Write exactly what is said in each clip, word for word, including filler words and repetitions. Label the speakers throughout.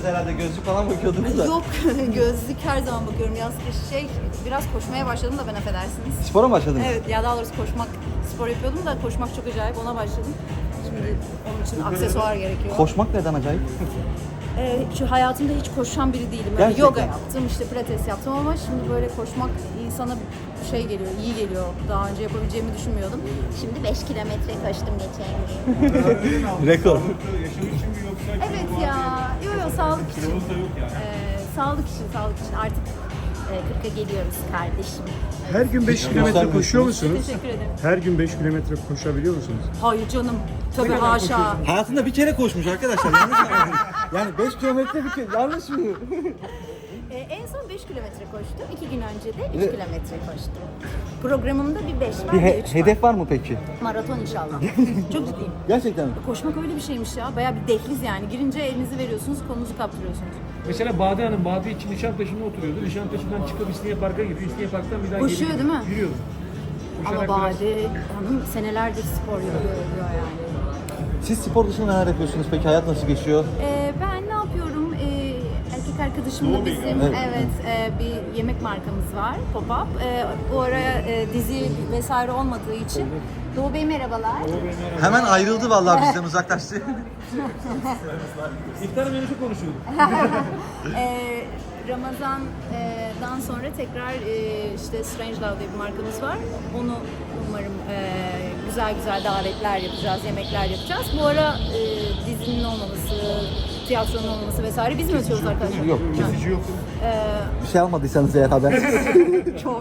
Speaker 1: herhalde gözlük falan bakıyordunuz da.
Speaker 2: Yok, gözlük her zaman bakıyorum. Yaz kış şey, biraz koşmaya başladım da ben affedersiniz.
Speaker 1: Spora mı başladınız?
Speaker 2: Evet, ya daha doğrusu koşmak, spor yapıyordum da koşmak çok acayip, ona başladım. Şimdi onun için aksesuar gerekiyor.
Speaker 1: Koşmak neden acayip?
Speaker 2: Ee, şu hayatımda hiç koşan biri değilim. Böyle
Speaker 1: Gerçekten.
Speaker 2: yoga yaptım, işte pilates yaptım ama şimdi böyle koşmak insana şey geliyor, iyi geliyor. Daha önce yapabileceğimi düşünmüyordum. Şimdi beş kilometre koştum geçen gün.
Speaker 1: Rekor.
Speaker 3: Yaşam için mi yoksa?
Speaker 2: Evet ya, yok yok sağlık için.
Speaker 3: Kiloluk da yok yani.
Speaker 2: Ee, sağlık için, sağlık için artık e, kırka geliyoruz kardeşim.
Speaker 4: Her gün beş kilometre koşuyor musunuz?
Speaker 2: Teşekkür ederim.
Speaker 4: Her gün beş kilometre koşabiliyor musunuz?
Speaker 2: Hayır canım, tabii haşa.
Speaker 1: Hayatında bir kere koşmuş arkadaşlar. Yanlış mı? Yani beş kilometre bir kere. Yanlış mı?
Speaker 2: Ee, en son beş kilometre koştum. İki gün önce de üç kilometre koştum. Programımda bir beş var,
Speaker 1: Bir
Speaker 2: bir
Speaker 1: he-
Speaker 2: üç var.
Speaker 1: hedef var mı peki?
Speaker 2: Maraton inşallah. Çok ciddiyim.
Speaker 1: Gerçekten mi?
Speaker 2: Koşmak öyle bir şeymiş ya. Bayağı bir dehliz yani. Girince elinizi veriyorsunuz, kolunuzu kaptırıyorsunuz.
Speaker 3: Mesela Bade Hanım, Bade için Nişantaşı'nda oturuyordu. Nişantaşı'ndan çıkıp İstinye Park'a gidiyor. İstinye Park'tan bir daha
Speaker 2: Koşuyor
Speaker 3: geri
Speaker 2: değil mi?
Speaker 3: Yürüyordu.
Speaker 2: Ama
Speaker 3: Koşarak biraz-
Speaker 2: Bade Hanım senelerdir spor yapıyor diyor yani.
Speaker 1: Siz spor dışında neler yapıyorsunuz peki? Hayat nasıl geçiyor?
Speaker 2: Ee, ben ne yapıyorum? Ee, erkek arkadaşımla bizim
Speaker 1: Evet.
Speaker 2: evet, e, bir yemek markamız var, Pop-Up. Ee, bu ara e, dizi vesaire olmadığı için Doğu Bey merhabalar.
Speaker 1: Hemen ayrıldı vallahi bizden uzaklaştı.
Speaker 3: İftar menüsü konuşuyorduk.
Speaker 2: Ee, Ramazan'dan sonra tekrar e, işte Strange Love diye bir markamız var. Onu umarım e, güzel güzel davetler yapacağız, yemekler yapacağız. Bu ara e, dizinin olmaması, tiyatronun olmaması vesaire biz mi ötüyoruz arkadaşlar?
Speaker 1: Yok.
Speaker 3: Kesici yok.
Speaker 2: Ee,
Speaker 1: Bir şey almadıysanız eğer haber.
Speaker 2: çok.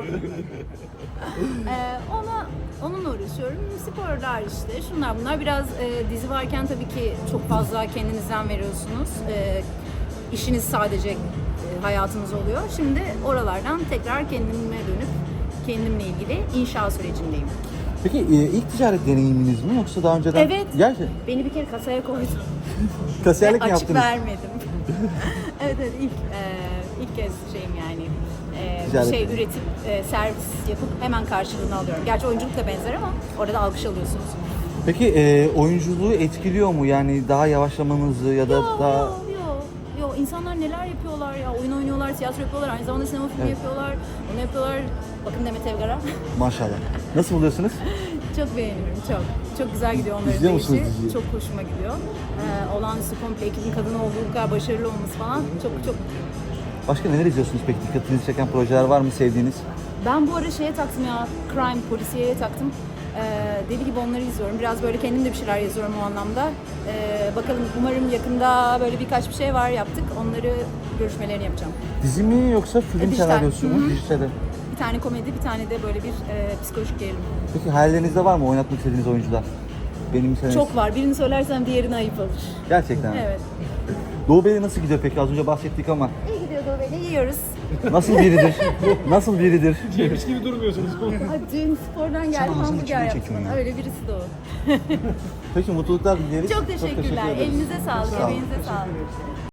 Speaker 2: ee, ona onunla uğraşıyorum. Sporlar işte, şunlar bunlar. Biraz e, dizi varken tabii ki çok fazla kendinizden veriyorsunuz. E, işiniz sadece e, hayatınız oluyor. Şimdi oralardan tekrar kendime dönüp kendimle ilgili inşa sürecindeyim.
Speaker 1: Peki e, ilk ticaret deneyiminiz mi yoksa daha önceden?
Speaker 2: Evet.
Speaker 1: Gerçi
Speaker 2: Beni bir kere kasaya koydum.
Speaker 1: kasiyerlik mi
Speaker 2: Açık
Speaker 1: yaptınız?
Speaker 2: vermedim. evet evet ilk e, ilk kez şeyim yani. E, bir
Speaker 1: Ticaret.
Speaker 2: şey üretip e, servis yapıp hemen karşılığını alıyorum. Gerçi oyunculuk da benzer ama orada alkış alıyorsunuz.
Speaker 1: Peki e, oyunculuğu etkiliyor mu? Yani daha yavaşlamanızı ya da
Speaker 2: Yo,
Speaker 1: daha...
Speaker 2: yo, yo, yo. İnsanlar neler yapıyorlar ya. Oyun oynuyorlar, tiyatro yapıyorlar, aynı zamanda sinema filmi
Speaker 1: Evet.
Speaker 2: yapıyorlar. Onu yapıyorlar. Bakın Demet Evgar'a.
Speaker 1: Maşallah. Nasıl buluyorsunuz?
Speaker 2: Çok beğeniyorum, çok. Çok güzel gidiyor onların
Speaker 1: İzliyor
Speaker 2: da
Speaker 1: musunuz
Speaker 2: işi.
Speaker 1: diziyi?
Speaker 2: Çok hoşuma gidiyor. Ee, olağanüstü komple ekibin kadın olduğu bu kadar başarılı olması falan çok çok.
Speaker 1: Başka neler izliyorsunuz peki? Dikkatinizi çeken projeler var mı sevdiğiniz?
Speaker 2: Ben bu ara şeye taktım ya, crime, polisiyeye taktım. Ee, deli gibi onları izliyorum. Biraz böyle kendim de bir şeyler yazıyorum o anlamda. Ee, bakalım umarım yakında böyle birkaç bir şey var yaptık. Onları görüşmelerini yapacağım.
Speaker 1: Dizi mi yoksa film
Speaker 2: E, dijital.
Speaker 1: senaryosu
Speaker 2: Hı
Speaker 1: mu?
Speaker 2: hı.
Speaker 1: Dijital.
Speaker 2: Bir tane komedi, bir tane de böyle bir e, psikolojik gerilim.
Speaker 1: Peki hayallerinizde var mı oynatmak istediğiniz oyuncular? Benim senaryosu.
Speaker 2: Çok var. Birini söylersem diğerini ayıp olur.
Speaker 1: Gerçekten. mi?
Speaker 2: Evet.
Speaker 1: Doğu Bey'le nasıl gidiyor peki? Az önce bahsettik ama
Speaker 2: İyi gidiyor Doğu Bey'le. Yiyoruz.
Speaker 1: nasıl biridir? Nasıl biridir?
Speaker 3: Yemiş gibi durmuyorsunuz.
Speaker 2: Ay, dün spordan geldim
Speaker 1: ağzını
Speaker 2: hamburger
Speaker 1: içine
Speaker 2: yaptım.
Speaker 1: çekin ya.
Speaker 2: Öyle birisi de o.
Speaker 1: Peki mutluluklar dileriz.
Speaker 2: Çok teşekkürler.
Speaker 1: teşekkür ederiz.
Speaker 2: Elinize sağlık,
Speaker 1: Sağ olun.
Speaker 2: emeğinize sağlık.